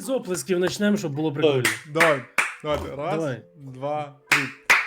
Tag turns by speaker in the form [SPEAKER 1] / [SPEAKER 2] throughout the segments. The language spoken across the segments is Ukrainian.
[SPEAKER 1] з оплесків почнемо, щоб було прикольно.
[SPEAKER 2] Давай. Давайте. Раз,
[SPEAKER 1] Давай.
[SPEAKER 2] два, три.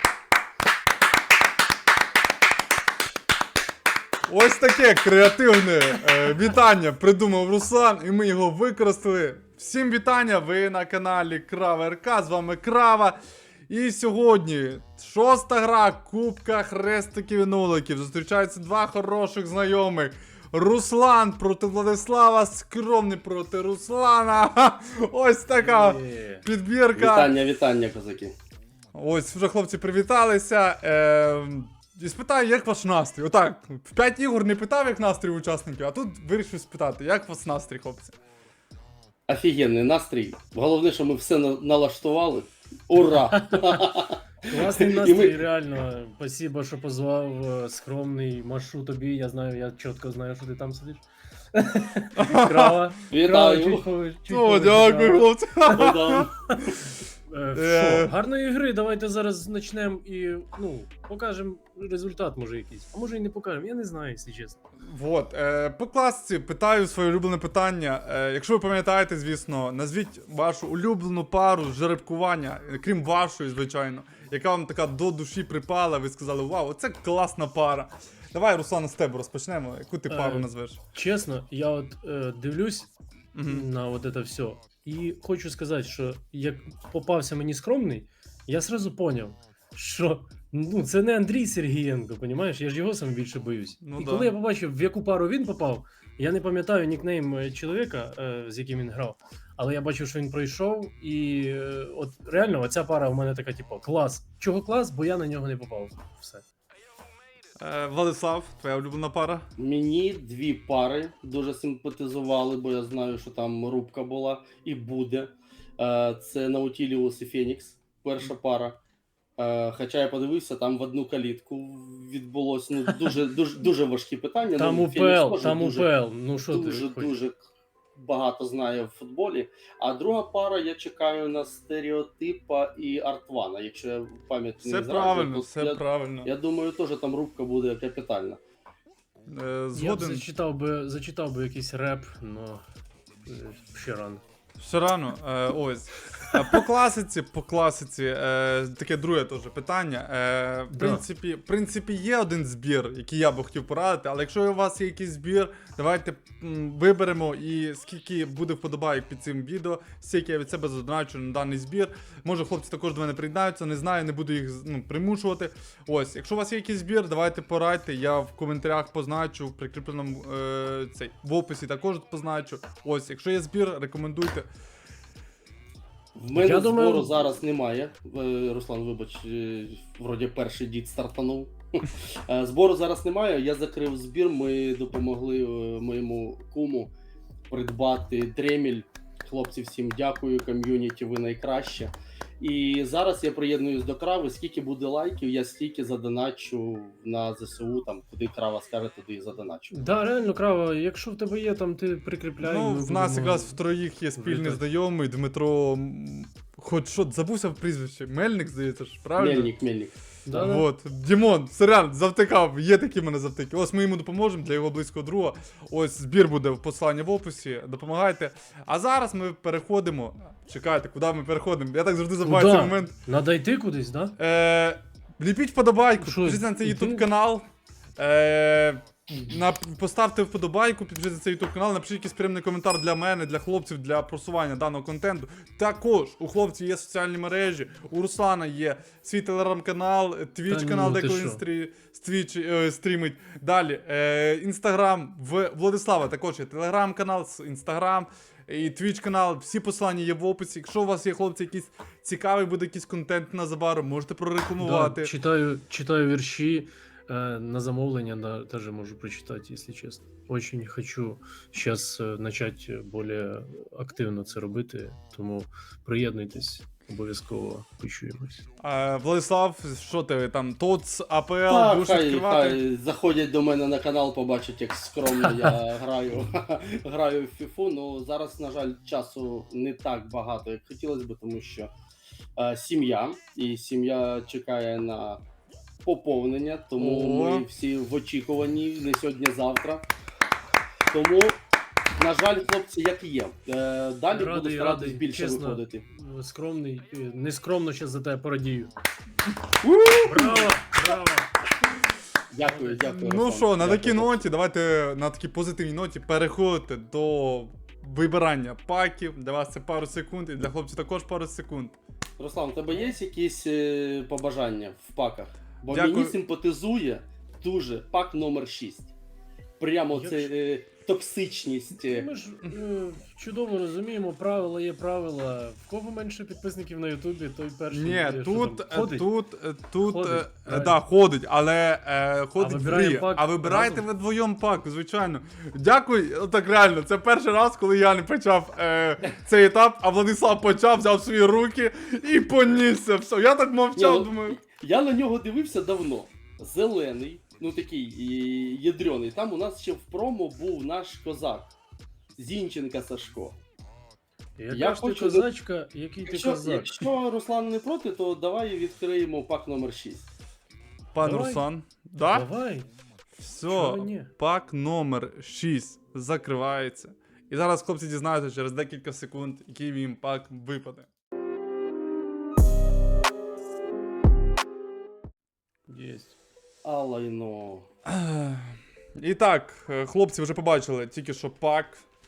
[SPEAKER 2] Ось таке креативне вітання придумав Руслан, і ми його використали. Всім вітання, ви на каналі Крава РК, з вами Крава. І сьогодні 6-та гра Кубка Хрестиків і Нуликів. Зустрічаються два хороших знайомих. Руслан проти Владислава, скромний проти Руслана. Ось така підбірка.
[SPEAKER 3] Вітання, козаки.
[SPEAKER 2] Ось, вже хлопці привіталися. І спитаю, як ваш настрій? Отак, в 5 ігор не питав, як настрій учасників, а тут вирішив спитати, як ваш настрій, хлопці?
[SPEAKER 3] Офігенний настрій. Головне, що ми все налаштували. Ура!
[SPEAKER 1] Класний настрій, реально. Спасибо, що позвав. Скромний, машу тобі. Я знаю, я чітко знаю, що ти там сидиш. Крава.
[SPEAKER 3] Вітаю.
[SPEAKER 2] О, дякую, хлопці.
[SPEAKER 1] Що, гарної гри, давайте зараз почнемо і, покажемо результат, може якийсь. А може і не покажемо, я не знаю, якщо чесно.
[SPEAKER 2] Вот, по класиці питаю своє улюблене питання. Якщо ви пам'ятаєте, звісно, назвіть вашу улюблену пару з жеребкування, крім вашої, звичайно, яка вам така до душі припала, ви сказали, вау, оце класна пара. Давай, Руслан, з тебе розпочнемо, яку ти пару назвеш?
[SPEAKER 1] Чесно, я от дивлюсь на от це все, і хочу сказати, що як попався мені скромний, я сразу поняв, що це не Андрій Сергієнко, понімаєш? Я ж його сам більше боюсь. І коли я побачив, в яку пару він попав, я не пам'ятаю нікнейм чоловіка, з яким він грав, але я бачив, що він пройшов, і от реально оця пара в мене така, типу, клас. Чого клас? Бо я на нього не попав. Все.
[SPEAKER 2] Владислав, твоя улюблена пара?
[SPEAKER 3] Мені дві пари дуже симпатизували, бо я знаю, що там рубка була і буде. Це Наутіліус і Фенікс, перша пара. Хоча я подивився, там в одну калітку відбулось дуже важкі питання.
[SPEAKER 1] Там УПЛ, ну що ти
[SPEAKER 3] дуже багато знає в футболі. А друга пара, я чекаю на Стереотипа і Артвана, якщо я пам'ять не зраджую.
[SPEAKER 2] Все правильно.
[SPEAKER 3] Я думаю, теж там рубка буде капітальна.
[SPEAKER 2] Згоден.
[SPEAKER 1] Я б зачитав би якийсь реп, но ще рано.
[SPEAKER 2] Все рано, ось. По класиці, таке друге теж питання. В принципі, є один збір, який я би хотів порадити, але якщо у вас є якийсь збір, давайте виберемо, і скільки буде вподобайок під цим відео, стільки я від себе задоначу на даний збір. Може, хлопці також до мене приєднаються, не знаю, не буду їх примушувати. Ось, якщо у вас є якийсь збір, давайте порадьте, я в коментарях позначу, в прикріпленому в описі також позначу. Ось, якщо є збір, рекомендуйте.
[SPEAKER 3] В мене збору зараз немає. Руслан, вибач, вроді перший дід стартанув. Збору зараз немає, я закрив збір, ми допомогли моєму куму придбати дреміль. Хлопці, всім дякую, ком'юніті, ви найкраще. І зараз я приєднуюсь до Крави, скільки буде лайків, я стільки задоначу на ЗСУ, там, куди Крава скаже, туди і задоначу.
[SPEAKER 1] Да, реально, Крава, якщо в тебе є, там ти прикріпляй.
[SPEAKER 2] В нас якраз в троїх є спільний знайомий, Дмитро, хоч що, забувся в прізвище, Мельник, здається ж, правильно?
[SPEAKER 3] Мельник.
[SPEAKER 2] Да. Вот. Дімон, серіал, завтикав, є такі в мене завтики. Ось ми йому допоможемо для його близького друга. Ось збір буде в посиланні в описі, допомагайте. А зараз ми переходимо. Чекайте, куди ми переходимо? Я так завжди забуваю цей момент.
[SPEAKER 1] Надо йти кудись, да?
[SPEAKER 2] Ліпіть вподобайку, підпишіться на цей YouTube канал. Поставте вподобайку, підпишіться на цей YouTube канал, напишіть якийсь приємний коментар для мене, для хлопців, для просування даного контенту. Також у хлопців є соціальні мережі, у Руслана є свій телеграм-канал, твіч-канал, де коли він стрімить. Далі, інстаграм, в Владислава також є телеграм-канал, інстаграм і твіч-канал, всі посилання є в описі. Якщо у вас є, хлопці, якийсь цікавий буде якийсь контент незабаром, можете прорекламувати.
[SPEAKER 1] Да, читаю вірші. На замовлення даже можу прочитати, если чесно. Очень хочу сейчас начать более активно це робити, тому приєднуйтесь, обов'язково почуємось.
[SPEAKER 2] Владислав, що ти там, ТОЦ, АПЛ, будеш відкривати?
[SPEAKER 3] Хай заходять до мене на канал, побачать, як скромно я граю в фіфу. Ну, зараз, на жаль, часу не так багато, як хотілося б, тому що сім'я чекає на поповнення, тому ми всі в очікуванні, не сьогодні-завтра. Тому На жаль, хлопці, як і є. Далі буду
[SPEAKER 1] Радий,
[SPEAKER 3] старатись
[SPEAKER 1] радий,
[SPEAKER 3] більше
[SPEAKER 1] чесно.
[SPEAKER 3] виходити.
[SPEAKER 1] Скромний, нескромно зараз за тебе порадію. Браво, браво.
[SPEAKER 3] Дякую, дякую.
[SPEAKER 2] Ну
[SPEAKER 3] Руслан.
[SPEAKER 2] що, на
[SPEAKER 3] Дякую.
[SPEAKER 2] такій ноті, давайте на такій позитивній ноті переходити до вибирання паків. Для вас це пару секунд, і для хлопців також пару секунд.
[SPEAKER 3] Руслан, у тебе є якісь побажання в паках? Бо
[SPEAKER 2] Дякую.
[SPEAKER 3] мені симпатизує дуже пак номер 6. Прямо
[SPEAKER 1] Якщо-
[SPEAKER 3] це токсичність.
[SPEAKER 1] Ми ж чудово розуміємо, правила є правила. В кого менше підписників на Ютубі, той перший.
[SPEAKER 2] Ні,
[SPEAKER 1] що
[SPEAKER 2] тут,
[SPEAKER 1] там, ходить.
[SPEAKER 2] тут,
[SPEAKER 1] Ходить, правильно.
[SPEAKER 2] да, ходить, але ходить
[SPEAKER 1] вибираємо
[SPEAKER 2] фрі.
[SPEAKER 1] пак
[SPEAKER 2] А вибирайте
[SPEAKER 1] разом?
[SPEAKER 2] ви вдвоєм пак, звичайно. Дякую, так реально, це перший раз, коли я не почав цей етап, а Владислав почав, взяв в свої руки і понісся. Все, я так мовчав,
[SPEAKER 3] Ні, ну,
[SPEAKER 2] думаю.
[SPEAKER 3] Я на нього дивився давно. Зелений, ну такий ядрений. Там у нас ще в промо був наш козак. Зінченка Сашко.
[SPEAKER 1] Яка
[SPEAKER 3] я
[SPEAKER 1] ж ти
[SPEAKER 3] хочу-
[SPEAKER 1] козачка, який ти козак.
[SPEAKER 3] Якщо Руслан не проти, то давай відкриємо пак номер 6.
[SPEAKER 2] Пан
[SPEAKER 1] Давай.
[SPEAKER 2] Руслан. Да?
[SPEAKER 1] Давай.
[SPEAKER 2] Все,
[SPEAKER 1] Чого ні?
[SPEAKER 2] пак номер 6 закривається. І зараз хлопці дізнаються через декілька секунд, який їм пак випаде.
[SPEAKER 1] Єсть.
[SPEAKER 3] Алайно.
[SPEAKER 2] І так, хлопці вже побачили тільки що пак.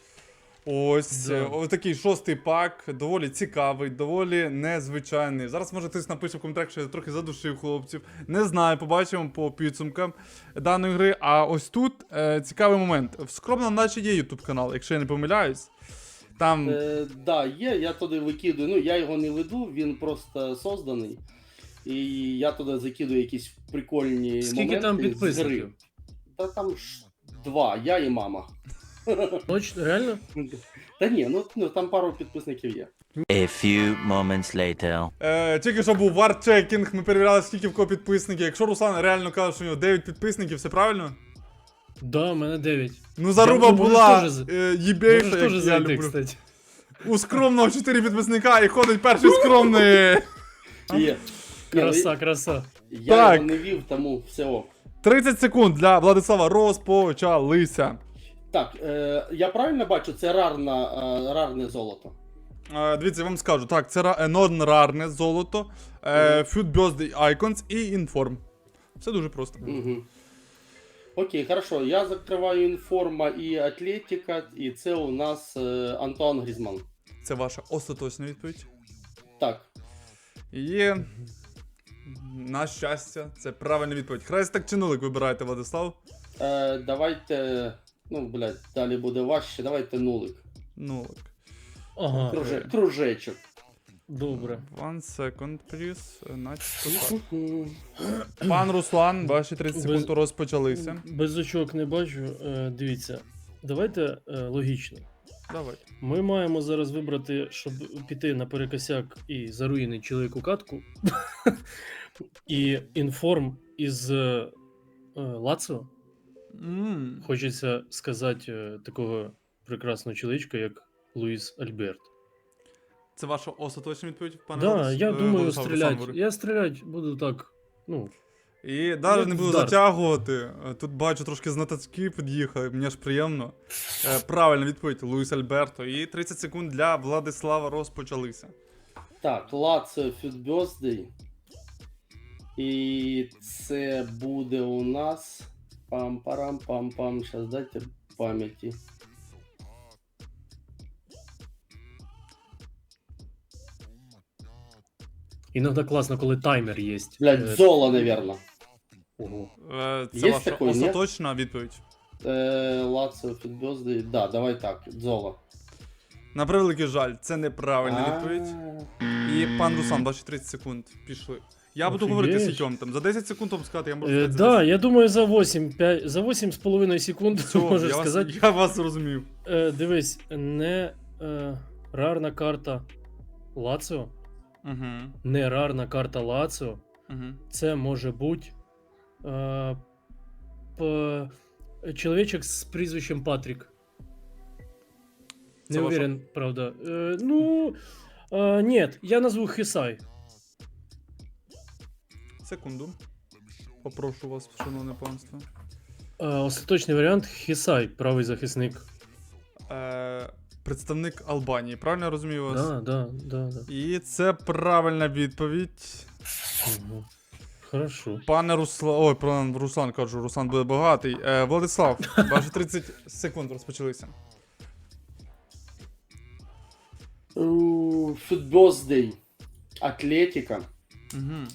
[SPEAKER 2] Ось,
[SPEAKER 1] Да.
[SPEAKER 2] ось такий 6-й пак, доволі цікавий, доволі незвичайний. Зараз може хтось напише в коментарях, що я трохи задушив хлопців. Не знаю, побачимо по підсумкам даної гри. А ось тут цікавий момент. В скромно наче є YouTube канал, якщо я не помиляюсь. Там
[SPEAKER 3] Да, є, я туди викидую. Ну, я його не веду, він просто созданий. І я туди закидую якісь прикольні
[SPEAKER 1] Скільки
[SPEAKER 3] моменти
[SPEAKER 1] там
[SPEAKER 3] з гри.
[SPEAKER 1] підписників?
[SPEAKER 3] Та там ж 2, я і мама.
[SPEAKER 1] Точно, реально?
[SPEAKER 3] Та ні, ну там пару підписників є.
[SPEAKER 4] A few moments later.
[SPEAKER 2] тільки що був варчекінг, ми перевіряли, скільки в кого підписників. Якщо Руслан реально каже, що у нього 9 підписників, все правильно?
[SPEAKER 1] Да, у мене 9.
[SPEAKER 2] Ну, заруба
[SPEAKER 1] Я можу
[SPEAKER 2] була
[SPEAKER 1] теж
[SPEAKER 2] їбейша,
[SPEAKER 1] Можеш
[SPEAKER 2] як
[SPEAKER 1] теж
[SPEAKER 2] я
[SPEAKER 1] зайти,
[SPEAKER 2] люблю.
[SPEAKER 1] кстати.
[SPEAKER 2] У скромного 4 підписника і ходить перший скромний.
[SPEAKER 3] Є.
[SPEAKER 1] Краса, краса.
[SPEAKER 3] Я
[SPEAKER 2] Так.
[SPEAKER 3] його не вів, тому все ок.
[SPEAKER 2] 30 секунд для Владислава розпочалися.
[SPEAKER 3] Так, я правильно бачу, це рарне золото.
[SPEAKER 2] Дивіться, я вам скажу. Так, це нон-рарне золото, Food Birthday Icons і Inform. Все дуже просто.
[SPEAKER 3] Угу. Окей, хорошо. Я закриваю інформа і Атлетіка, і це у нас Антуан Грізман.
[SPEAKER 2] Це ваша остаточна відповідь.
[SPEAKER 3] Так.
[SPEAKER 2] І на щастя, це правильна відповідь. Хрестик чи нулик вибираєте, Владислав?
[SPEAKER 3] Давайте. Ну, блядь, далі буде важче. Давайте нулик.
[SPEAKER 2] Нулик.
[SPEAKER 1] Ага,
[SPEAKER 3] Кружечок.
[SPEAKER 1] добре.
[SPEAKER 2] One second, please. Наче так. Пан Руслан, ваші 30 секунд розпочалися.
[SPEAKER 1] Без очок не бачу. Дивіться, давайте логічно.
[SPEAKER 2] Давай.
[SPEAKER 1] Ми маємо зараз вибрати, щоб піти на перекосяк і заруїнити чоловіку катку. І інформ із Лаціо. Хочеться сказати такого прекрасного чоловічка, як Луїс Альберт.
[SPEAKER 2] Це ваша остаточна відповідь, пане
[SPEAKER 1] Да,
[SPEAKER 2] Владислав?
[SPEAKER 1] я думаю
[SPEAKER 2] Владислав, Руслан
[SPEAKER 1] стріляти.
[SPEAKER 2] говорить.
[SPEAKER 1] Я стріляти буду так, ну,
[SPEAKER 2] І навіть
[SPEAKER 1] Як
[SPEAKER 2] не буду
[SPEAKER 1] вдар.
[SPEAKER 2] затягувати. Тут бачу, трошки знаточки під'їхали, мені аж приємно. Правильна відповідь, Луїс Альберто. І 30 секунд для Владислава розпочалися.
[SPEAKER 3] Так, Лаціо Фюдбьоздей. І це буде у нас. Пам-парам-пам-пам. Зараз дайте пам'яті.
[SPEAKER 1] іноді класно, коли таймер є.
[SPEAKER 3] Блядь, Зола, наверно.
[SPEAKER 1] Ого.
[SPEAKER 2] Це
[SPEAKER 3] Є
[SPEAKER 2] ваша
[SPEAKER 3] такий, ні?
[SPEAKER 2] остаточна відповідь.
[SPEAKER 3] Лаціо Фюдбьоздей. Да, давай так, Зола.
[SPEAKER 2] На превеликий жаль, це неправильна відповідь. І пан Руслан, ваші 30 секунд пішли. Я буду
[SPEAKER 1] Офігеть.
[SPEAKER 2] говорити скільки вам там. За 10 секунд вам сказати, я можу сказати. за
[SPEAKER 1] Да,
[SPEAKER 2] 10.
[SPEAKER 1] я думаю, за 8,5 секунд
[SPEAKER 2] Все,
[SPEAKER 1] можеш
[SPEAKER 2] я вас,
[SPEAKER 1] сказати.
[SPEAKER 2] я вас зрозумів.
[SPEAKER 1] Дивись, не рарна карта Лаціо,
[SPEAKER 2] Угу.
[SPEAKER 1] не рарна карта Лаціо.
[SPEAKER 2] Угу.
[SPEAKER 1] Це може бути чоловічок з прізвищем Патрік.
[SPEAKER 2] Це
[SPEAKER 1] Не
[SPEAKER 2] ваша-
[SPEAKER 1] уверен, правда. Нет, я назву Хисай.
[SPEAKER 2] Секунду. Попрошу вас, шановне панство.
[SPEAKER 1] Остаточний варіант Хисай, правий захисник.
[SPEAKER 2] Представник Албанії. Правильно я розумію вас?
[SPEAKER 1] Да.
[SPEAKER 2] І це правильна відповідь.
[SPEAKER 1] Угу. Хорошо.
[SPEAKER 2] Пане Руслан. Ой, пан Руслан кажу, Руслан буде багатий. Владислав, ваші 30 секунд розпочалися.
[SPEAKER 3] Футбоздей. Атлетика.
[SPEAKER 2] Угу.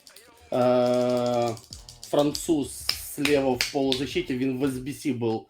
[SPEAKER 3] Француз слева в полузащите, він в СБС був.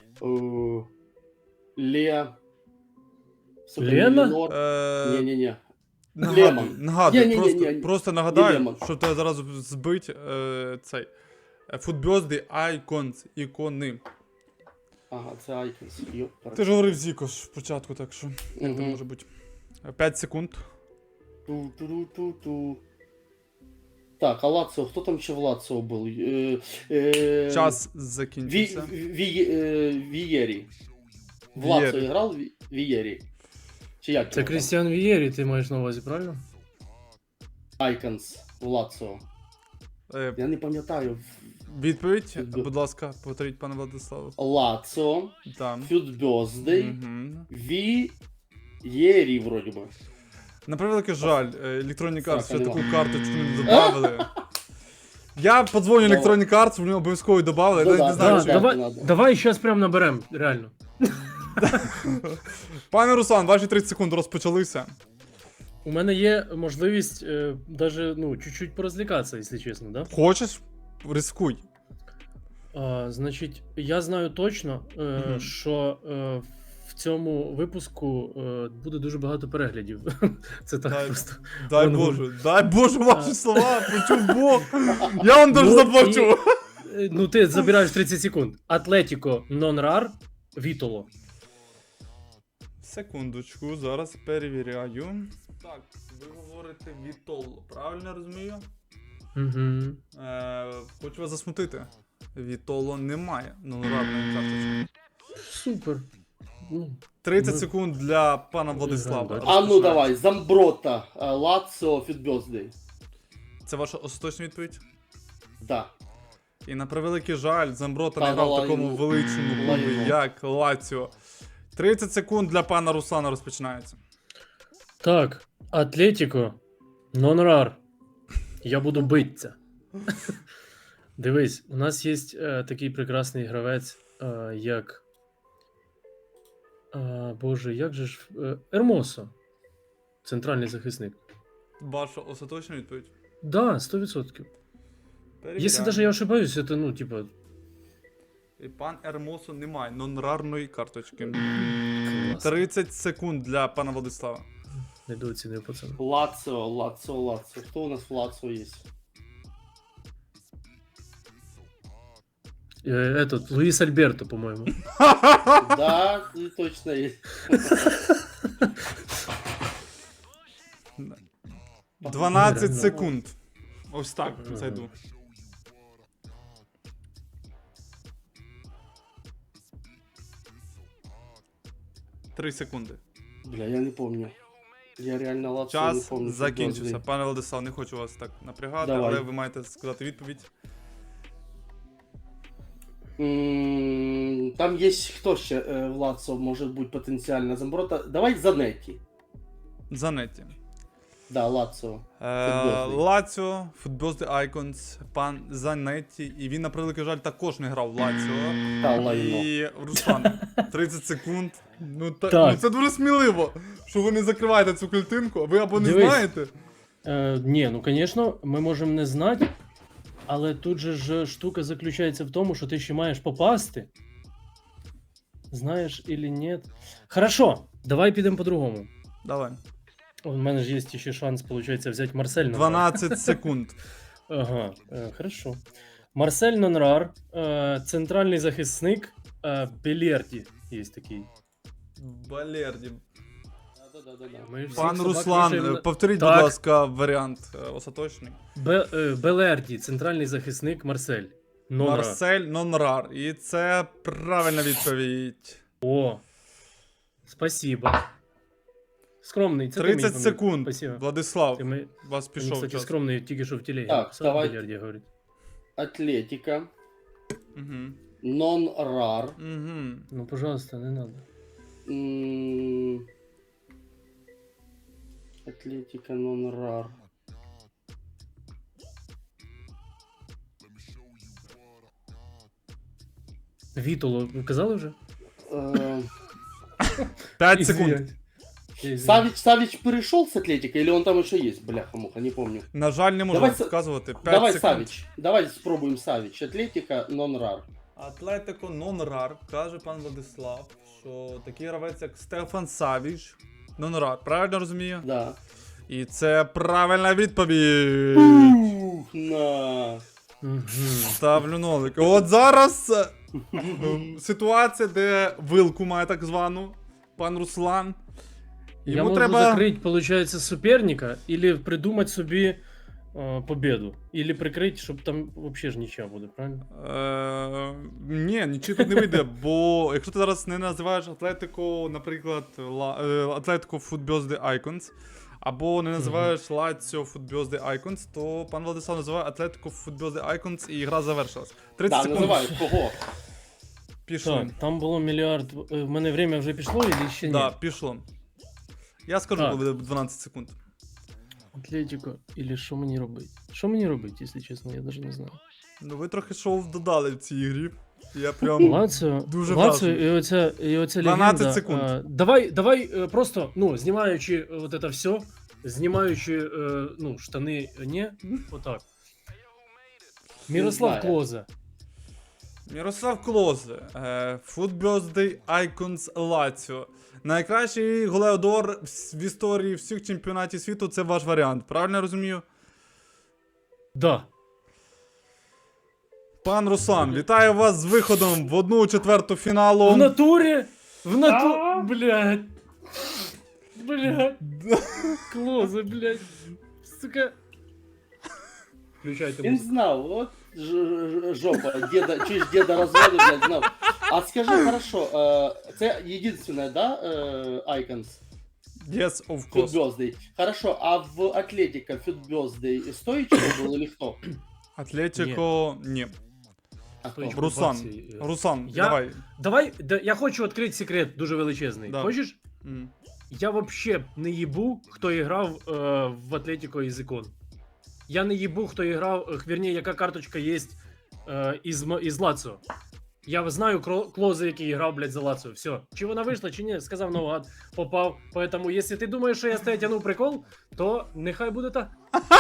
[SPEAKER 1] Лена?
[SPEAKER 3] Не-не-не. Лемон.
[SPEAKER 2] Нагадую,
[SPEAKER 3] Ні-ні-ні-ні.
[SPEAKER 2] просто
[SPEAKER 3] Не
[SPEAKER 2] нагадаю,
[SPEAKER 3] Лемон.
[SPEAKER 2] щоб тебе зараз збить цей. Footbirthday Icons, ікони.
[SPEAKER 3] Ага, це Icons.
[SPEAKER 2] Ти ж говорив Зіко ж спочатку, так що як це може бути. 5 секунд.
[SPEAKER 3] Ту-ту-ту-ту. Так, а Лаціо, хто там ще в Лаціо був?
[SPEAKER 2] Час закінчився.
[SPEAKER 3] Вієрі. В Лаціо грав Вієрі. Чи як?
[SPEAKER 1] Це
[SPEAKER 3] його там?
[SPEAKER 1] Крістіан Вієрі, ти маєш на увазі, правильно?
[SPEAKER 3] Icons в Лаціо. Я не пам'ятаю.
[SPEAKER 2] Відповідь, будь ласка, повторіть, пане Владиславе.
[SPEAKER 3] Лаціо,
[SPEAKER 2] Там.
[SPEAKER 3] Фютбьоздей,
[SPEAKER 2] Угу.
[SPEAKER 3] Вієрі, вроді би.
[SPEAKER 2] На превеликий жаль, Electronic Arts ще
[SPEAKER 3] Сака
[SPEAKER 2] таку
[SPEAKER 3] нема.
[SPEAKER 2] карточку не додавали. Я подзвоню Electronic Arts, вони обов'язково додавали.
[SPEAKER 3] Ну
[SPEAKER 2] Я
[SPEAKER 3] да,
[SPEAKER 2] не знаю,
[SPEAKER 3] да,
[SPEAKER 2] чи...
[SPEAKER 3] да.
[SPEAKER 1] давай,
[SPEAKER 3] надо.
[SPEAKER 1] давай зараз прям наберем, реально.
[SPEAKER 2] Пане Руслан, ваші 30 секунд розпочалися.
[SPEAKER 1] У мене є можливість даже, ну, чуть-чуть порозлікатися, якщо чесно, да?
[SPEAKER 2] Хочеш? Рискуй.
[SPEAKER 1] Значить, я знаю точно,
[SPEAKER 2] Мгм.
[SPEAKER 1] що в цьому випуску буде дуже багато переглядів. Це так
[SPEAKER 2] Дай-
[SPEAKER 1] просто.
[SPEAKER 2] Дай
[SPEAKER 1] Воно-
[SPEAKER 2] Боже, дай Боже ваші слова, почув Бог. Я вам дуже
[SPEAKER 1] Ну,
[SPEAKER 2] заплачу.
[SPEAKER 1] Ну, ти забираєш 30 секунд. Атлетіко, нон-рар, Вітоло.
[SPEAKER 2] Секундочку, зараз перевіряю. Так, ви говорите Вітоло, правильно я розумію?
[SPEAKER 1] Угу.
[SPEAKER 2] Хочу вас засмутити. Вітоло немає нонорарної карточки.
[SPEAKER 1] Супер. Ну,
[SPEAKER 2] 30
[SPEAKER 1] Ну,
[SPEAKER 2] секунд для пана Владислава.
[SPEAKER 1] бачиш.
[SPEAKER 3] А ну
[SPEAKER 2] Розпочинаємо.
[SPEAKER 3] давай, Замброта, Лаціо, Фютбьоздей.
[SPEAKER 2] Це ваша остаточна відповідь?
[SPEAKER 3] Да.
[SPEAKER 2] І на превеликий жаль, Замброта
[SPEAKER 3] Та
[SPEAKER 2] не грав в
[SPEAKER 3] лайно.
[SPEAKER 2] такому величному клубі,
[SPEAKER 3] Лайно.
[SPEAKER 2] як Лаціо. 30 секунд для пана Руслана розпочинається.
[SPEAKER 1] так, Атлетіко, нон-рар. Я буду битися. Дивись, у нас є такий прекрасний гравець, як. Боже, як же ж. Ермосо. Центральний захисник.
[SPEAKER 2] Ваша остаточна відповідь?
[SPEAKER 1] Да, 100%.
[SPEAKER 2] Перевіряємо.
[SPEAKER 1] Если даже я ошибаюсь, это, ну, типа,
[SPEAKER 2] І пан Ермосо не має нонрарної карточки.
[SPEAKER 1] клас.
[SPEAKER 2] 30 секунд для пана Владислава.
[SPEAKER 1] Недооцінив пацан.
[SPEAKER 3] Лаціо. Хто у нас в Лаціо є?
[SPEAKER 1] Этот, Луис Альберто, по-моему.
[SPEAKER 3] Да, точно є.
[SPEAKER 2] 12
[SPEAKER 1] Реально.
[SPEAKER 2] секунд. Ось так
[SPEAKER 1] Ага.
[SPEAKER 2] зайду. Три секунди.
[SPEAKER 3] Бля, я не помню. Я реально Лаціо не
[SPEAKER 2] Час
[SPEAKER 3] помню.
[SPEAKER 2] закінчився.
[SPEAKER 3] Фютбьоздей.
[SPEAKER 2] Пане Владислав, не хочу вас так напрягати,
[SPEAKER 3] Давай.
[SPEAKER 2] але ви маєте сказати відповідь.
[SPEAKER 3] Там є хто ще в Лаціо може бути потенціально Замброта. Давай Занетті.
[SPEAKER 2] Занетті.
[SPEAKER 3] Да, Лаціо. Футболний.
[SPEAKER 2] Лаціо, Football The Icons, пан Занетті. І він, на превеликий жаль, також не грав в Лаціо.
[SPEAKER 3] Та лайно.
[SPEAKER 2] І Руслан, 30 секунд. Ну,
[SPEAKER 1] Так.
[SPEAKER 2] ну це дуже сміливо, що ви не закриваєте цю картинку, ви або не
[SPEAKER 1] Дивись.
[SPEAKER 2] знаєте.
[SPEAKER 1] Ні, ну, звісно, ми можемо не знати, але тут же ж штука заключається в тому, що ти ще маєш попасти. Знаєш или ні. Хорошо, давай підемо по-другому.
[SPEAKER 2] Давай.
[SPEAKER 1] У мене ж є ще шанс, виходить, взяти Марсель Нонрар.
[SPEAKER 2] 12 секунд.
[SPEAKER 1] Ага, хорошо. Марсель Нонрар, центральний захисник, Белерді є такий.
[SPEAKER 2] Балерді.
[SPEAKER 3] Да.
[SPEAKER 1] Ми всіх
[SPEAKER 2] Пан
[SPEAKER 1] собак
[SPEAKER 2] Руслан,
[SPEAKER 1] вішаємо
[SPEAKER 2] повторіть,
[SPEAKER 1] Так.
[SPEAKER 2] будь ласка, варіант остаточний.
[SPEAKER 1] Белерді, центральний захисник Марсель. Нонрар.
[SPEAKER 2] Марсель Нонрар. І це правильна відповідь.
[SPEAKER 1] О, спасибо. Скромний, це ти
[SPEAKER 2] 30
[SPEAKER 1] мені поміг.
[SPEAKER 2] секунд.
[SPEAKER 1] Спасибо.
[SPEAKER 2] Владислав,
[SPEAKER 1] Ти ми...
[SPEAKER 2] вас
[SPEAKER 1] Він,
[SPEAKER 2] пішов
[SPEAKER 1] кстати,
[SPEAKER 2] час.
[SPEAKER 1] скромний тільки що в телегі.
[SPEAKER 3] Так,
[SPEAKER 1] написав,
[SPEAKER 3] давай.
[SPEAKER 1] Белерді говорить.
[SPEAKER 3] Атлетика.
[SPEAKER 2] Угу.
[SPEAKER 3] Нон-рар.
[SPEAKER 2] Угу.
[SPEAKER 1] Ну, пожалуйста, не надо.
[SPEAKER 3] Атлетика нон-рар.
[SPEAKER 1] Вітоло, ви казали вже?
[SPEAKER 2] 5 секунд.
[SPEAKER 3] Савич перешел с Атлетика, или он там еще есть? Бляха-муха, не помню.
[SPEAKER 2] На жаль, не можу
[SPEAKER 3] Давай
[SPEAKER 2] сказувати. 5
[SPEAKER 3] Давай
[SPEAKER 2] секунд.
[SPEAKER 3] Савич. Давай спробуем Савич. Атлетика нон-рар.
[SPEAKER 2] Атлетико нон-рар, каже пан Владислав, що такий гравець, як Стефан Савіч. Нон-рар, правильно розумію?
[SPEAKER 3] Да.
[SPEAKER 2] І це правильна відповідь.
[SPEAKER 3] На.
[SPEAKER 2] Ставлю нолик. От зараз ситуація, де вилку має так звану, пан Руслан.
[SPEAKER 1] Я можу закрити, виходить, суперника, или придумати собі победу. Или прикрити, щоб там взагалі ж нічого буде, правильно?
[SPEAKER 2] Ні, нічого тут не вийде, бо якщо ти зараз не називаєш Атлетико, наприклад, Атлетико Foot Birthday Icons, або не називаєш Лаціо Foot Birthday Icons, то пан Владислав називає Атлетико Foot Birthday Icons і гра завершилась. 30
[SPEAKER 3] Да,
[SPEAKER 2] секунд.
[SPEAKER 3] называй, кого?
[SPEAKER 2] Пішло.
[SPEAKER 1] Так, там було мільярд. В мене время вже пішло, или ще ні?
[SPEAKER 2] Да, пішло. Я скажу,
[SPEAKER 1] Так.
[SPEAKER 2] коли буде 12 секунд.
[SPEAKER 1] Атлетико, или що мені робити? Що мені робити, якщо чесно, я навіть не знаю.
[SPEAKER 2] Ну ви трохи шоу додали в цій грі. Я прям...
[SPEAKER 1] Лаціо,
[SPEAKER 2] Дуже
[SPEAKER 1] Лаціо
[SPEAKER 2] вражений.
[SPEAKER 1] і оця
[SPEAKER 2] 12
[SPEAKER 1] легенда.
[SPEAKER 2] секунд.
[SPEAKER 1] Давай просто, ну, знімаючи вот это все, знімаючи, ну, штани, не, отак. Мірослав
[SPEAKER 3] знаю.
[SPEAKER 1] Клоза.
[SPEAKER 2] Мірослав Клозе, Foot Birthday Icons Lazio. Найкращий голеодор в історії всіх чемпіонатів світу, це ваш варіант. Правильно я розумію?
[SPEAKER 1] Да.
[SPEAKER 2] Пан Руслан, вітаю вас з виходом в 1/4 фіналу.
[SPEAKER 1] В натурі? Блядь. Блядь. Клоза, блядь. Сука. Включайте
[SPEAKER 3] Я не
[SPEAKER 1] музику.
[SPEAKER 3] знал, вот жопа, деда, чуть деда развода, блядь, знал. А скажи, хорошо, это единственное, да, Icons?
[SPEAKER 2] Yes, of
[SPEAKER 3] Foot
[SPEAKER 2] course.
[SPEAKER 3] Birthday. Хорошо, а в Атлетика Foot Birthday стоичный был или кто?
[SPEAKER 2] Атлетико, ні.
[SPEAKER 3] А кто?
[SPEAKER 1] Стоичный.
[SPEAKER 2] Руслан,
[SPEAKER 1] Баксі,
[SPEAKER 2] Руслан,
[SPEAKER 1] Я-
[SPEAKER 2] давай.
[SPEAKER 1] Давай, я хочу відкрити секрет дуже величезний.
[SPEAKER 2] Да.
[SPEAKER 1] Хочеш?
[SPEAKER 2] М.
[SPEAKER 1] Я вообще не їбу, хто грав в Атлетико із ікон. Я не їбу, хто грав, вірні, яка карточка є із Лаціо. Я знаю Клози, який грав, блядь, за Лаціо. Все. Чи вона вийшла, чи ні, сказав наугад, попав. Поэтому, якщо ти думаєш, що я з тебе тягнув прикол, то нехай буде так.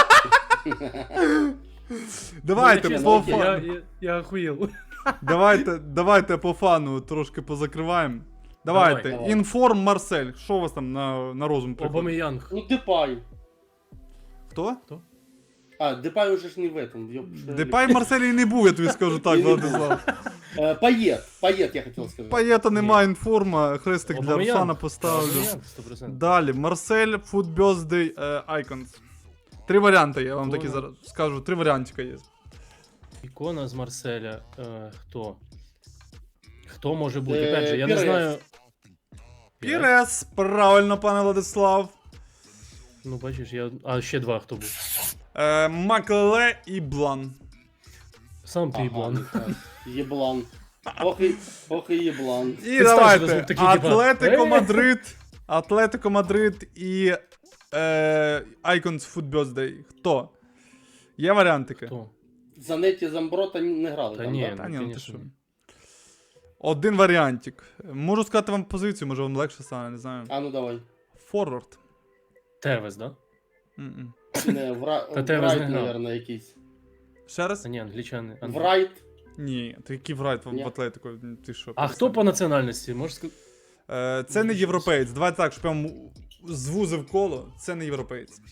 [SPEAKER 2] Давайте
[SPEAKER 1] Ну,
[SPEAKER 2] по
[SPEAKER 1] чесно,
[SPEAKER 2] фану.
[SPEAKER 1] я охуєл.
[SPEAKER 2] Давайте по фану трошки позакриваємо. Давайте.
[SPEAKER 3] Давай.
[SPEAKER 2] Інформ Марсель. Що у вас там на розум приходить?
[SPEAKER 1] Обамеянг.
[SPEAKER 3] Ну, Депай.
[SPEAKER 2] Хто?
[SPEAKER 3] А, Депай уже ж не в этом.
[SPEAKER 2] Депай в Марселі не був, я тобі скажу так, Владислав.
[SPEAKER 3] Пайет, я хотел сказать.
[SPEAKER 2] Паєта нема інформа, хрестик для
[SPEAKER 1] Обамеянг.
[SPEAKER 2] Руслана поставлю.
[SPEAKER 1] Обамеянг, 100%.
[SPEAKER 2] Далі, Марсель, Foot Birthday Icons. 3 варіанти, я вам такі
[SPEAKER 1] Ікона.
[SPEAKER 2] зараз скажу. 3 варіантика є.
[SPEAKER 1] Ікона з Марселя. Хто? Хто може бути?
[SPEAKER 3] Е,
[SPEAKER 1] Опять же, я не
[SPEAKER 3] Пірес.
[SPEAKER 1] знаю.
[SPEAKER 2] Пірес, правильно, пане Владислав.
[SPEAKER 1] Ну, бачиш, а ще два хто був.
[SPEAKER 2] Макле і Блан.
[SPEAKER 1] Сам ти
[SPEAKER 3] Ага,
[SPEAKER 1] їблан.
[SPEAKER 3] ну так. Еблан. Ох и еблан.
[SPEAKER 2] І
[SPEAKER 1] Представте,
[SPEAKER 2] давайте.
[SPEAKER 1] що такі, типа,
[SPEAKER 2] Атлетико Мадрид. Атлетико Мадрид і Icons Foot Birthday. Хто? Є варіантики?
[SPEAKER 1] Хто?
[SPEAKER 3] Занетті Замброта не грали
[SPEAKER 1] Та
[SPEAKER 3] там,
[SPEAKER 1] ні,
[SPEAKER 3] да?
[SPEAKER 2] Та ні,
[SPEAKER 1] ну,
[SPEAKER 2] ну ти
[SPEAKER 1] конечно.
[SPEAKER 2] що. Один варіантик. Можу сказати вам позицію, може вам легше стане, не знаю.
[SPEAKER 3] А ну давай.
[SPEAKER 2] Форвард.
[SPEAKER 1] Тевес, да?
[SPEAKER 2] М-м.
[SPEAKER 3] Не,
[SPEAKER 1] Та Тевес
[SPEAKER 3] Врайт,
[SPEAKER 1] не грав.
[SPEAKER 3] наверное, якийсь.
[SPEAKER 2] Ще раз?
[SPEAKER 1] А ні, англічани.
[SPEAKER 3] Врайт.
[SPEAKER 2] Ні, ти який врайт
[SPEAKER 3] Ні.
[SPEAKER 2] в Атлетико? Ти що?
[SPEAKER 1] А хто по національності? Можеш сказати?
[SPEAKER 2] Це не європеєць. Давайте так, щоб я вам звузив коло. Це не європеєць.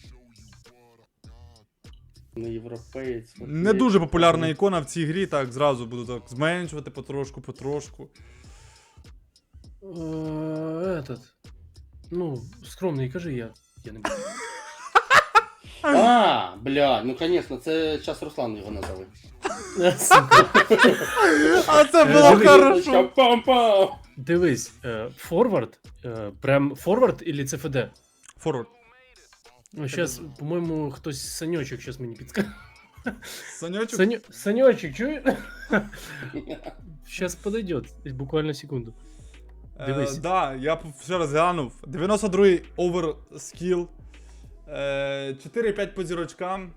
[SPEAKER 3] Не європеєць.
[SPEAKER 2] Не дуже популярна ікона в цій грі, так, зразу буду так зменшувати потрошку.
[SPEAKER 1] Этот. Ну, скромний, кажи я. Я не буду.
[SPEAKER 3] А, бля, ну конечно, це зараз Руслан його назови.
[SPEAKER 1] Сука.
[SPEAKER 2] А це було
[SPEAKER 1] Дивись.
[SPEAKER 2] хорошо.
[SPEAKER 3] Пам-пам.
[SPEAKER 1] Дивись, форвард, прям форвард или ЦФД?
[SPEAKER 2] Форвард.
[SPEAKER 1] Ну, сейчас, по-моему, хтось Санечек сейчас мені підскаже.
[SPEAKER 2] Санечок?
[SPEAKER 1] Санечек, чуєш? Сейчас подойдет, буквально секунду. Дивись.
[SPEAKER 2] Да, я ще раз глянув. 92-й оверскіл. 4-5 по зірочкам.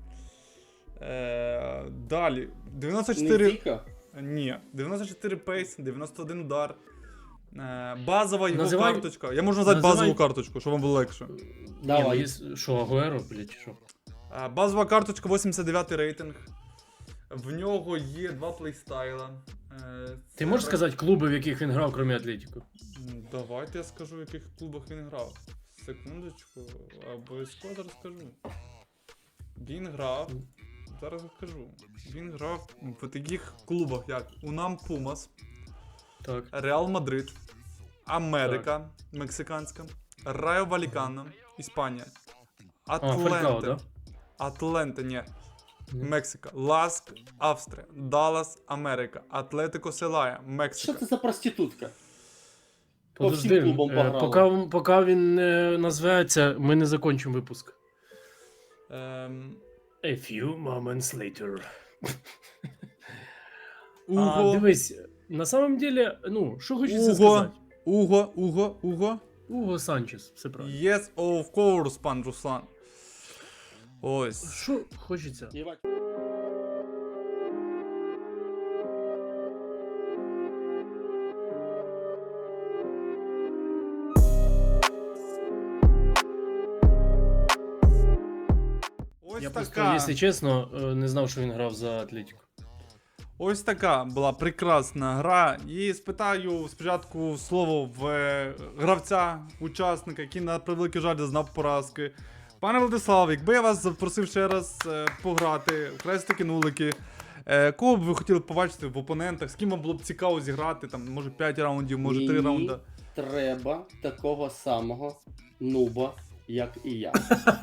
[SPEAKER 2] Далі. 94...
[SPEAKER 3] Не Віка?
[SPEAKER 2] Ні. 94 пейс, 91 удар. Базова його
[SPEAKER 1] Називай-
[SPEAKER 2] карточка. Я можу назвати
[SPEAKER 1] називай-
[SPEAKER 2] базову карточку, щоб вам було легше.
[SPEAKER 3] Давай.
[SPEAKER 1] Ні, ну, що, Агуеро, блядь, чи що?
[SPEAKER 2] Базова карточка 89 рейтинг. В нього є 2 плейстайла.
[SPEAKER 1] Ти можеш сказати клуби, в яких він грав, крім Атлетіко?
[SPEAKER 2] Давайте я скажу, в яких клубах він грав. Секундочку, обов'язково зараз скажу. Він грав. Зараз скажу. Він грав в таких клубах, як Унам Пумас,
[SPEAKER 1] Так.
[SPEAKER 2] Реал Мадрид, Америка мексиканська, Райо Валікано, Іспанія,
[SPEAKER 1] Фалькао,
[SPEAKER 2] Атленте,
[SPEAKER 1] да?
[SPEAKER 2] Атленте, ні,
[SPEAKER 1] Ні.
[SPEAKER 2] Мексика, Ласк, Австрія, Даллас, Америка, Атлетико Селая,
[SPEAKER 3] Що
[SPEAKER 2] Мексика.
[SPEAKER 3] це за проститутка? По
[SPEAKER 1] Подожди,
[SPEAKER 3] всім клубам пограла.
[SPEAKER 1] поки він не називається, ми не закінчимо випуск. A few moments later.
[SPEAKER 2] Уго,
[SPEAKER 1] Дивись, на самом деле, ну, що хочеться
[SPEAKER 2] Уго,
[SPEAKER 1] сказати?
[SPEAKER 2] Уго.
[SPEAKER 1] Уго Санчес, все правильно.
[SPEAKER 2] Yes, of course, пан Руслан. Ось.
[SPEAKER 1] Що хочеться?
[SPEAKER 3] Єбать.
[SPEAKER 2] Ось
[SPEAKER 1] Я просто,
[SPEAKER 2] така.
[SPEAKER 1] якщо чесно, не знав, що він грав за Атлетіко.
[SPEAKER 2] Ось така була прекрасна гра. І спитаю спочатку слово в гравця, учасника, який на превеликий жаль зазнав поразки. Пане Владислав, якби я вас запросив ще раз пограти в хрестики-нулики, кого б ви хотіли побачити в опонентах, з ким вам було б цікаво зіграти, там, може 5 раундів, може 3
[SPEAKER 3] Мені
[SPEAKER 2] раунди.
[SPEAKER 3] треба такого самого нуба, як і я.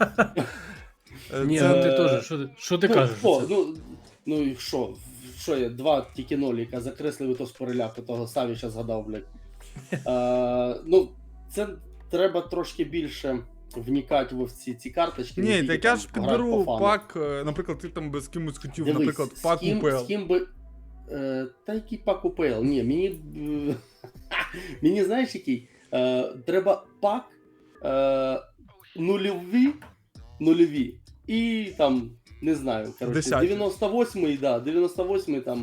[SPEAKER 1] Ні,
[SPEAKER 2] Це-
[SPEAKER 1] ну ти теж, що ти кажеш?
[SPEAKER 3] Що,
[SPEAKER 1] за це?
[SPEAKER 3] ну і що? Що я? Два тільки ноліка закреслив і то з переляку, того Савіча згадав, блядь. Ну, це треба трошки більше вникати в ці карточки. не
[SPEAKER 2] Ні,
[SPEAKER 3] тільки
[SPEAKER 2] так я
[SPEAKER 3] там
[SPEAKER 2] ж
[SPEAKER 3] грати
[SPEAKER 2] підберу
[SPEAKER 3] по фану.
[SPEAKER 2] пак, наприклад, ти там би з кимось хотів,
[SPEAKER 3] Дивись,
[SPEAKER 2] наприклад, пак
[SPEAKER 3] з ким,
[SPEAKER 2] УПЛ.
[SPEAKER 3] з ким би. Та який пак УПЛ? Ні, мені. Мені знаєш який? Треба пак нульові. І там, не знаю, коротше,
[SPEAKER 2] Десяті.
[SPEAKER 3] 98-й, да, 98-й, там,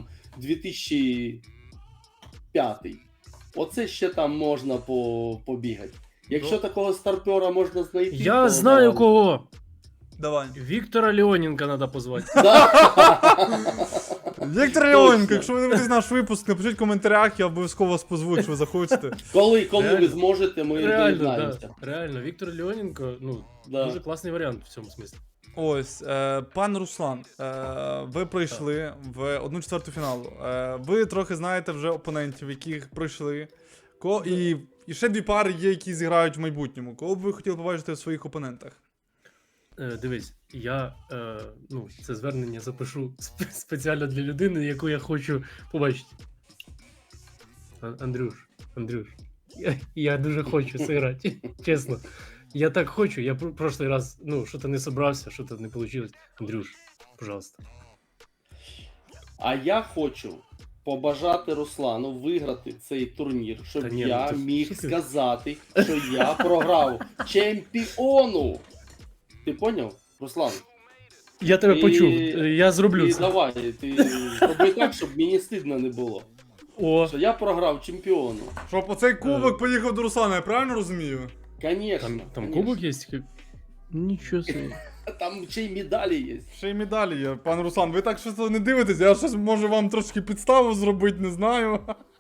[SPEAKER 3] 2005. Оце ще там можна побігати. Якщо
[SPEAKER 2] Ну.
[SPEAKER 3] такого старпера можна знайти.
[SPEAKER 1] Я
[SPEAKER 3] то
[SPEAKER 1] знаю
[SPEAKER 3] давай.
[SPEAKER 1] кого.
[SPEAKER 2] Давай.
[SPEAKER 1] Віктора Леоненка треба позвати.
[SPEAKER 2] Віктор Леоненко, якщо ви дивитесь наш випуск, напишіть в коментарях, я обов'язково вас позву, якщо ви захочете.
[SPEAKER 3] Коли ви
[SPEAKER 1] Реально.
[SPEAKER 3] зможете, ми
[SPEAKER 1] Реально,
[SPEAKER 3] доєднаємося.
[SPEAKER 1] да. Реально, Віктор Леоненко, ну,
[SPEAKER 3] Да.
[SPEAKER 1] дуже класний варіант в цьому смислі.
[SPEAKER 2] Ось, пан Руслан, ви пройшли в 1/4 фіналу. Ви трохи знаєте вже опонентів, яких пройшли. І ще 2 пари є, які зіграють в майбутньому. Кого б ви хотіли побачити в своїх опонентах?
[SPEAKER 1] Дивись, я ну, це звернення запишу спеціально для людини, яку я хочу побачити. Андрюш, я дуже хочу зіграти, чесно. Я так хочу, я прошлий раз, ну, що-то не собрався, що-то не вийшло. Андрюш, пожалуйста.
[SPEAKER 3] А я хочу побажати Руслану виграти цей турнір, щоб
[SPEAKER 1] Та ні,
[SPEAKER 3] я
[SPEAKER 1] ну ти-
[SPEAKER 3] міг
[SPEAKER 1] що ти?
[SPEAKER 3] сказати, що я програв чемпіону. Ти поняв, Руслан?
[SPEAKER 1] Я тебе
[SPEAKER 3] І-
[SPEAKER 1] почув, я зроблю
[SPEAKER 3] І
[SPEAKER 1] це.
[SPEAKER 3] давай, ти роби так, щоб мені стидно не було.
[SPEAKER 1] О,
[SPEAKER 3] Що я програв чемпіону.
[SPEAKER 2] Щоб оцей кубок поїхав до Руслана, я правильно розумію?
[SPEAKER 3] Конечно.
[SPEAKER 1] там
[SPEAKER 3] конечно.
[SPEAKER 1] кубок є? Нічого собі.
[SPEAKER 3] Там ще й медалі є.
[SPEAKER 2] Ще й медалі є. Пан Руслан, ви так щось не дивитесь, я щось можу вам трошки підставу зробити, не знаю.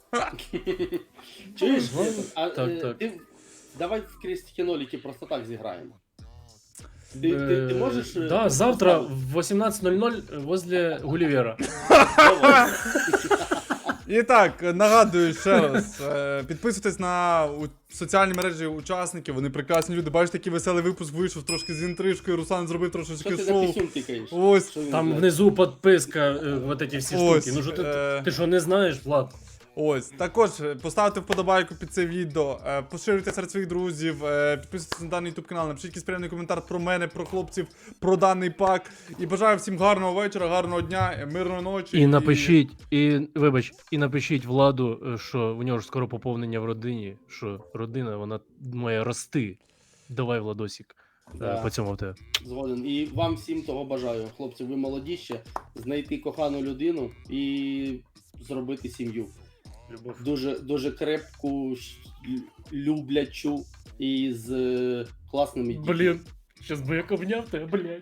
[SPEAKER 3] Чуєш?
[SPEAKER 1] Ну,
[SPEAKER 3] А,
[SPEAKER 1] так.
[SPEAKER 3] Давай в крестики-нолики просто так зіграємо. Ти можеш...
[SPEAKER 1] Да, завтра в 18:00 возле Гулливера.
[SPEAKER 3] Давай.
[SPEAKER 2] І так, нагадую ще раз, підписуйтесь на соціальні мережі учасників, вони прекрасні люди. Бачите, який веселий випуск вийшов, трошки з інтрижкою, Руслан зробив
[SPEAKER 3] Що
[SPEAKER 2] трошечки
[SPEAKER 3] ти на
[SPEAKER 2] шоу.
[SPEAKER 3] пісюн тикаєш?
[SPEAKER 2] Ось.
[SPEAKER 3] Що він
[SPEAKER 1] Там
[SPEAKER 3] знає?
[SPEAKER 1] внизу підписка, вот эти всі
[SPEAKER 2] Ось,
[SPEAKER 1] штуки. Ну що ти що не знаєш, Влад?
[SPEAKER 2] Ось, також поставте вподобайку під це відео, поширюйте серед своїх друзів, підписуйтесь на даний YouTube канал, напишіть якийсь приємний коментар про мене, про хлопців, про даний пак. І бажаю всім гарного вечора, гарного дня, мирної ночі.
[SPEAKER 1] І напишіть, і напишіть Владу, що в нього ж скоро поповнення в родині, що родина, вона має рости. Давай, Владосік,
[SPEAKER 3] Да.
[SPEAKER 1] по цьому в тебе.
[SPEAKER 3] Згоден. І вам всім того бажаю. Хлопці, ви молоді ще. Знайти кохану людину і зробити сім'ю.
[SPEAKER 1] Любов.
[SPEAKER 3] Дуже крепку, люблячу і з класними дітьми.
[SPEAKER 1] Блін, щас би як обняв тебе, блядь.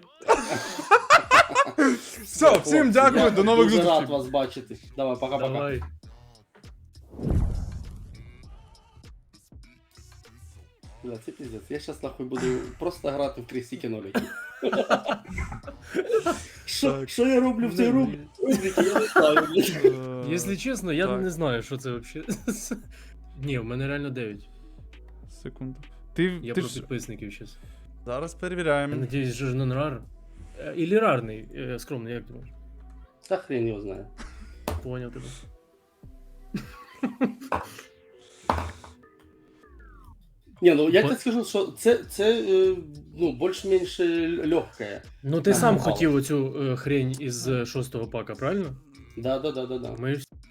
[SPEAKER 2] Все, всім дякую, до нових
[SPEAKER 3] Дуже рад
[SPEAKER 2] зустрічей.
[SPEAKER 3] вас бачити. Давай, пока-пока.
[SPEAKER 1] Давай.
[SPEAKER 3] Бля, це пиздец. Я щас нахуй буду просто грати в крестики нолики. Що я роблю в цій рубриці? Я не знаю, блядь.
[SPEAKER 1] Якщо чесно, я
[SPEAKER 2] так.
[SPEAKER 1] не знаю, що це взагалі. Ні, в мене реально 9.
[SPEAKER 2] Секунду.
[SPEAKER 1] Я
[SPEAKER 2] Ти
[SPEAKER 1] про
[SPEAKER 2] ж...
[SPEAKER 1] підписників зараз.
[SPEAKER 2] Зараз
[SPEAKER 1] Я
[SPEAKER 2] перевіряємо.
[SPEAKER 1] надіюсь, що ж нон-рар. Ілі рарний, скромний, як думаєш?
[SPEAKER 3] Та хрен його знає.
[SPEAKER 1] Поняв тебе.
[SPEAKER 3] Ні, ну я
[SPEAKER 1] Бо-
[SPEAKER 3] тебе скажу, що це ну, більш-менш легке.
[SPEAKER 1] Ну ти
[SPEAKER 3] Ага,
[SPEAKER 1] сам
[SPEAKER 3] мало.
[SPEAKER 1] хотів оцю хрень із 6-го пака, правильно?
[SPEAKER 3] Да.
[SPEAKER 1] Ми ж